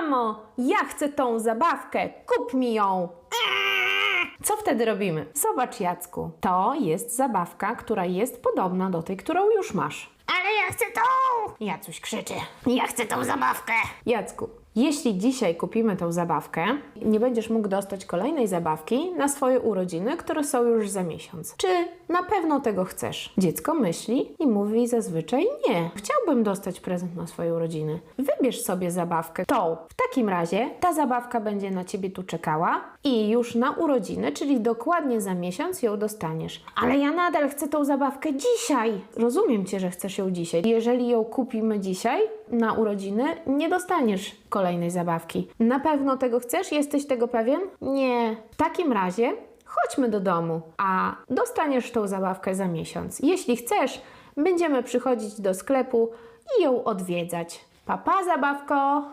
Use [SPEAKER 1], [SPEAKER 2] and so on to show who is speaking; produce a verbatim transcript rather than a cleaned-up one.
[SPEAKER 1] Mamo, ja chcę tą zabawkę, kup mi ją! Co wtedy robimy? Zobacz, Jacku, to jest zabawka, która jest podobna do tej, którą już masz.
[SPEAKER 2] Ale ja chcę tą! Jacuś krzyczy. Ja chcę tą zabawkę.
[SPEAKER 1] Jacku, jeśli dzisiaj kupimy tą zabawkę, nie będziesz mógł dostać kolejnej zabawki na swoje urodziny, które są już za miesiąc. Czy na pewno tego chcesz? Dziecko myśli i mówi zazwyczaj nie. Chciałbym dostać prezent na swoje urodziny. Wybierz sobie zabawkę tą. W takim razie ta zabawka będzie na ciebie tu czekała i już na urodziny, czyli dokładnie za miesiąc ją dostaniesz. Ale ja nadal chcę tą zabawkę dzisiaj. Rozumiem cię, że chcesz ją dzisiaj. Jeżeli ją kupimy dzisiaj na urodziny, nie dostaniesz kolejnej zabawki. Na pewno tego chcesz? Jesteś tego pewien? Nie. W takim razie chodźmy do domu, a dostaniesz tą zabawkę za miesiąc. Jeśli chcesz, będziemy przychodzić do sklepu i ją odwiedzać. Pa, pa, zabawko!